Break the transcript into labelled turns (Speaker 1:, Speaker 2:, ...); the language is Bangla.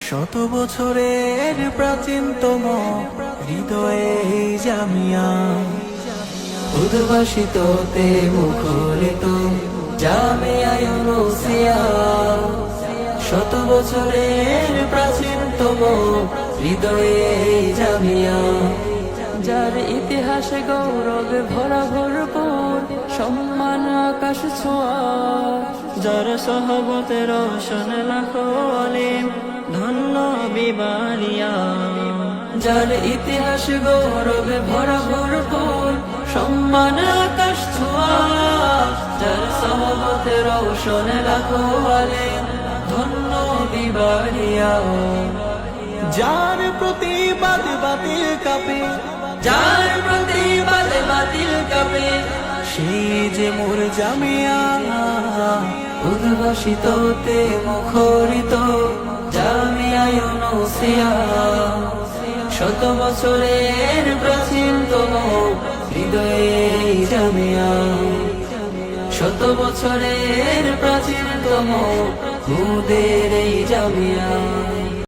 Speaker 1: শত বছরের প্রাচীনতম হৃদয়ে এই জামিয়া, উদ্ভাসিততে মুখরিত জামিয়া ইউনুসিয়া। শত বছরের প্রাচীনতম হৃদয়ে এই জামিয়া,
Speaker 2: যার ইতিহাসে গৌরবে ভরা ভরপুর, সম্মান আকাশ ছোঁয়া। যার সহবতে রোশন লাখো আলিম, ধন্য বিবালিয়া। যার ইতিহাসে গৌরবে ভরা ভরপুর, সম্মান আকাশ ছোঁয়া। যার সহবতে রোশন লাখো আলিম, ধন্য বিবালিয়া।
Speaker 1: যার প্রতিবাদ বাতিল কাপে,
Speaker 2: যার প্রতিবাদ বাতিল কাপে,
Speaker 1: সেই যে মোর জামিয়া।
Speaker 2: উদ্ভাসিততে মুখরিত জামিয়া ইউনুসিয়া। শত বছরের প্রাচীনতম হৃদয়ে এই জামিয়া, শত বছরের প্রাচীনতম খুদের এই জামিয়া।